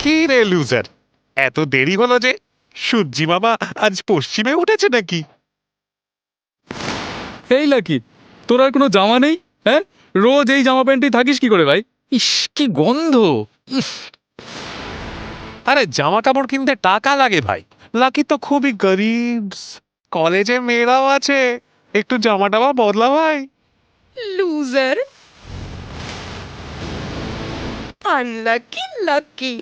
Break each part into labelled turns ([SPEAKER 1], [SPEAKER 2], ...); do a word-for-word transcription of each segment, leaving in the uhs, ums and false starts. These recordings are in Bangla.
[SPEAKER 1] কি রে লুজার, এত দেরি হলো যে? সূর্যি মামা আজ পশ্চিমে উঠেছে নাকি?
[SPEAKER 2] এই লাকি, তোর আর কোনো জামা নেই? হ্যাঁ, রোজ এই জামা প্যান্টেই থাকিস কি করে ভাই?
[SPEAKER 1] ইস, কি গন্ধ! উফ! আরে জামা কাপড় কিনতে টাকা লাগে ভাই। লাকি তো খুবই গরিব, কলেজে মেয়েরাও আছে, একটু জামা টামা বদলা ভাই।
[SPEAKER 3] Loser, unlucky lucky.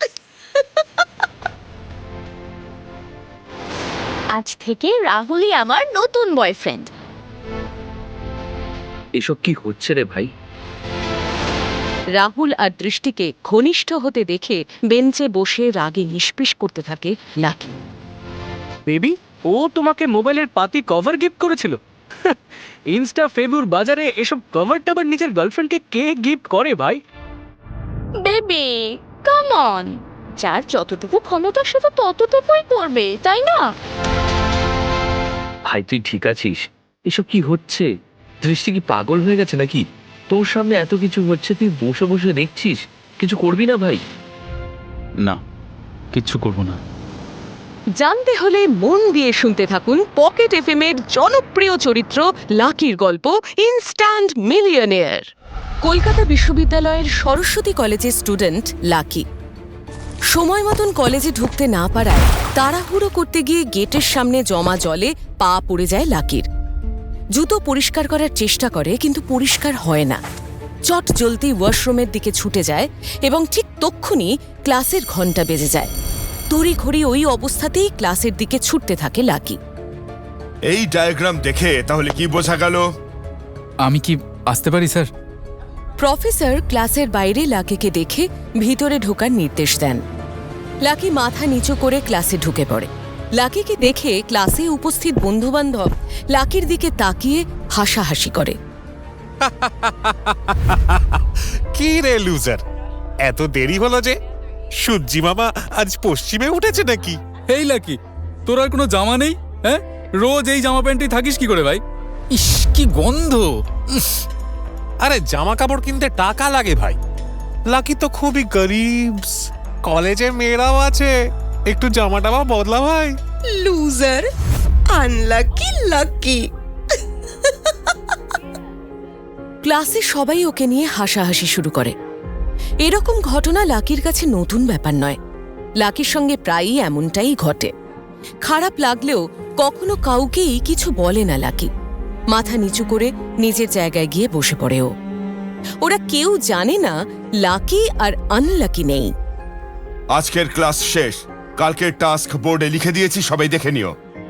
[SPEAKER 4] আজ থেকে রাহুলই আমার নতুন বয়ফ্রেন্ড।
[SPEAKER 5] এসব কি হচ্ছে রে ভাই?
[SPEAKER 6] রাহুল আর দৃষ্টিকে ঘনিষ্ঠ হতে দেখে বেঞ্চে বসে রাগে নিষ্পিস করতে থাকে লাকি।
[SPEAKER 5] বেবি, ও তোমাকে মোবাইলের পাতি কভার গিফট করেছিল? ইনস্টা ফেবুর বাজারে এসব কভার টাভার নিজের গার্লফ্রেন্ডকে কে গিফট করে ভাই?
[SPEAKER 4] বেবি কাম অন, যার যতটুকু ক্ষমতা সে তো ততটুকুই করবে, তাই না?
[SPEAKER 5] ভাই তুই ঠিক আছিস? এসব কি হচ্ছে? দৃষ্টি কি পাগল হয়ে গেছে নাকি? তোর সামনে এত কিছু হচ্ছে, তুই বসে বসে দেখছিস, কিছু করবি না ভাই?
[SPEAKER 2] না, কিচ্ছু করব না।
[SPEAKER 6] জানতে হলে মন দিয়ে শুনতে থাকুন পকেট এফএম এর জনপ্রিয় চরিত্র লাকির গল্প ইনস্ট্যান্ট মিলিয়নেয়ার। কলকাতা বিশ্ববিদ্যালয়ের সরস্বতী কলেজের স্টুডেন্ট লাকি সময় মতন কলেজে ঢুকতে না পারায় তাড়াহুড়ো করতে গিয়ে গেটের সামনে জমা জলে পা পড়ে যায় লাকির। জুতো পরিষ্কার করার চেষ্টা করে, কিন্তু পরিষ্কার হয় না। চট জলদি ওয়াশরুমের দিকে ছুটে যায় এবং ঠিক তক্ষুনি ক্লাসের ঘন্টা বেজে যায়। তড়িঘড়ি ওই অবস্থাতেই ক্লাসের দিকে ছুটতে থাকে লাকি।
[SPEAKER 7] এই ডায়াগ্রাম দেখে তাহলে কি বোঝা গেল?
[SPEAKER 2] আমি কি আসতে পারি স্যার?
[SPEAKER 6] প্রফেসর ক্লাসের বাইরে লাকিকে দেখে ভিতরে ঢোকার নির্দেশ দেন। লাকি মাথা নিচু করে ক্লাসে ঢুকে পড়ে। লাকিকে দেখে ক্লাসে উপস্থিত বন্ধুবান্ধব লাকির দিকে তাকিয়ে হাসাহাসি করে।
[SPEAKER 1] কি রে লুজার, এত দেরি হলো যে? সূর্যি মামা আজ পশ্চিমে উঠেছে নাকি?
[SPEAKER 2] এই লাকি, তোর আর কোনো জামা নেই? হ্যাঁ, রোজ এই জামা প্যান্টেই থাকিস কি করে ভাই? ইস, কি গন্ধ! উফ!
[SPEAKER 1] আরে জামা কাপড় কিনতে টাকা লাগে ভাই। লাকি তো খুবই গরিব, কলেজে মেয়েরাও আছে, একটু জামা টামা বদলা ভাই।
[SPEAKER 3] Loser, unlucky lucky.
[SPEAKER 6] ক্লাসে সবাই ওকে নিয়ে হাসাহাসি শুরু করে। এরকম ঘটনা লাকির কাছে নতুন ব্যাপার নয়। লাকির সঙ্গে প্রায়ই এমনটাই ঘটে। খারাপ লাগলেও কখনো কাউকেই কিছু বলে না লাকি। মাথা নিচু করে নিজের জায়গায় গিয়ে বসে পড়ে ও। ওরা কেউ জানে না লাকি আর আনলাকি নেই।
[SPEAKER 7] আজকের ক্লাস শেষ, কালকের টাস্ক বোর্ডে লিখে দিয়েছি, সবাই দেখে নিও।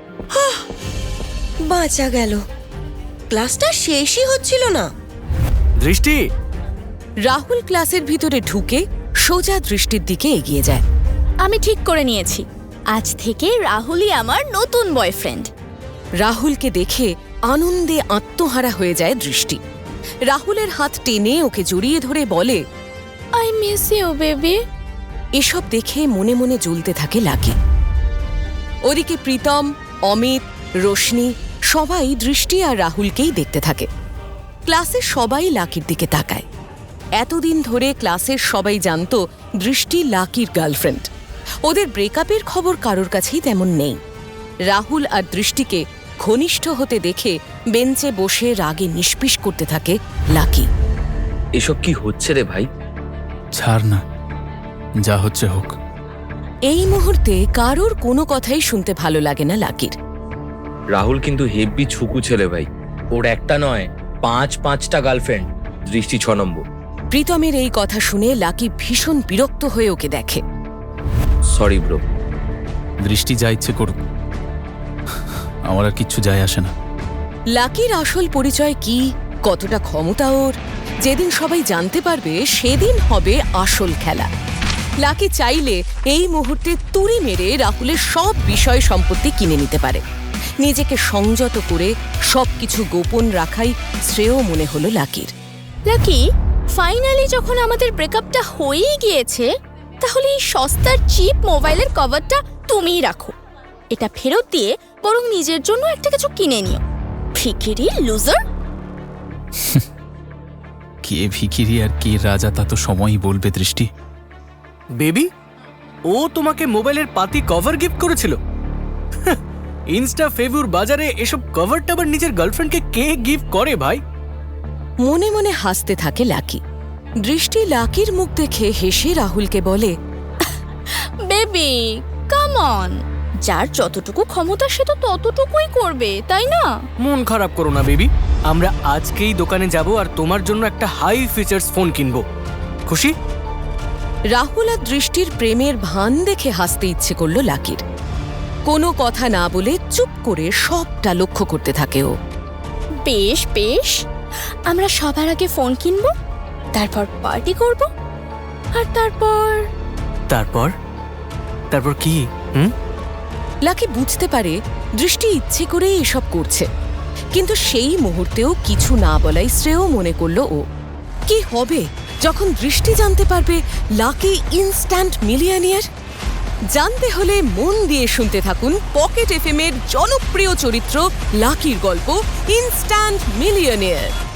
[SPEAKER 3] বাঁচা গেল, ক্লাসটা শেষই হচ্ছিল না।
[SPEAKER 5] দৃষ্টি,
[SPEAKER 6] রাহুল ক্লাসের ভিতরে ঢুকে সোজা দৃষ্টির দিকে এগিয়ে যায়।
[SPEAKER 4] আমি ঠিক করে নিয়েছি, আজ থেকে রাহুলই আমার নতুন বয়ফ্রেন্ড।
[SPEAKER 6] রাহুলকে দেখে আনন্দে আত্মহারা হয়ে যায় দৃষ্টি। রাহুলের হাত টেনে ওকে জড়িয়ে ধরে বলে,
[SPEAKER 4] আই মিস ইউ বেবি।
[SPEAKER 6] এসব দেখে মনে মনে জ্বলতে থাকে লাকি। ওদিকে প্রীতম, অমিত, রোশনি সবাই দৃষ্টি আর রাহুলকেই দেখতে থাকে। ক্লাসের সবাই লাকির দিকে তাকায়। এতদিন ধরে ক্লাসের সবাই জানত দৃষ্টি লাকির গার্লফ্রেন্ড। ওদের ব্রেকআপের খবর কারোর কাছেই তেমন নেই। রাহুল আর দৃষ্টিকে ঘনিষ্ঠ হতে দেখে বেঞ্চে বসে রাগে নিষ্পিস করতে থাকে লাকি।
[SPEAKER 5] এসব কি হচ্ছে রে ভাই?
[SPEAKER 2] ছাড় না, যা হচ্ছে হোক।
[SPEAKER 6] এই মুহূর্তে কারোর কোনো কথাই শুনতে ভালো লাগে না লাকির।
[SPEAKER 5] রাহুল কিন্তু হেব্বি ছুকু ছেলে ভাই। ওর একটা নয়, পাঁচ পাঁচটা গার্লফ্রেন্ড। দৃষ্টি ছ নম্বর।
[SPEAKER 6] প্রীতমের এই কথা শুনে লাকি ভীষণ বিরক্ত হয়ে ওকে দেখে।
[SPEAKER 5] Sorry bro.
[SPEAKER 2] দৃষ্টি যা ইচ্ছে করুক, আমার আর কিচ্ছু যায় আসে না।
[SPEAKER 6] লাকির আসল পরিচয় কি, কতটা ক্ষমতা ওর, যেদিন সবাই জানতে পারবে সেদিন হবে আসল খেলা। লাকি চাইলে এই মুহূর্তে তুড়ি মেরে রাহুলের সব বিষয় সম্পত্তি কিনে নিতে পারে। নিজেকে সংযত করে সবকিছু গোপন রাখাই শ্রেয় মনে হলো লাকির।
[SPEAKER 4] লাকি, ফাইনালি যখন আমাদের ব্রেকআপটা হয়েই গিয়েছে, তাহলে এই সস্তার চিপ মোবাইলের কভারটা তুমিই রাখো। এটা ফেরত দিয়ে বরং নিজের জন্য একটা কিছু কিনে নিও। ভিখিরি লুজার।
[SPEAKER 2] কে ভিখিরি আর কে রাজা তা তো সময়ই বলবে দৃষ্টি।
[SPEAKER 8] বেবি,
[SPEAKER 5] ও তোমাকে মোবাইলের পাতি কভার গিফট করেছিল? ইনস্টা ফেভুর বাজারে এসব কভার টাভার নিজের গার্লফ্রেন্ডকে কে গিফট করে ভাই?
[SPEAKER 6] মনে মনে হাসতে থাকে লাকি। দৃষ্টি লাকির মুখ দেখে হেসে রাহুলকে বলে,
[SPEAKER 4] বেবি কাম অন, যার যতটুকু ক্ষমতা সে তো ততটুকুই করবে, তাই না?
[SPEAKER 5] মন খারাপ করো না বেবি, আমরা আজকেই দোকানে যাব আর তোমার জন্য একটা হাই ফিচার্স ফোন কিনবো। খুশি?
[SPEAKER 6] রাহুল আর দৃষ্টির প্রেমের ভান দেখে হাসতে ইচ্ছে করল লাকির। কোনো কথা না বলে চুপ করে সবটা লক্ষ্য করতে থাকে ও।
[SPEAKER 4] বেশ বেশ, আমরা সবার আগে ফোন কিনবো, তারপর পার্টি করব, আর তারপর
[SPEAKER 5] তারপর তারপর কি? হুম
[SPEAKER 6] লাকি বুঝতে পারে দৃষ্টি ইচ্ছে করে এসব করছে, কিন্তু সেই মুহূর্তেও কিছু না বলাই শ্রেয় মনে করল ও। কি হবে যখন দৃষ্টি জানতে পারবে লাকি ইনস্ট্যান্ট মিলিয়নিয়ার? জানতে হলে মন দিয়ে শুনতে থাকুন পকেট এফএম এর জনপ্রিয় চরিত্র লাকির গল্প ইনস্ট্যান্ট মিলিয়নিয়ার।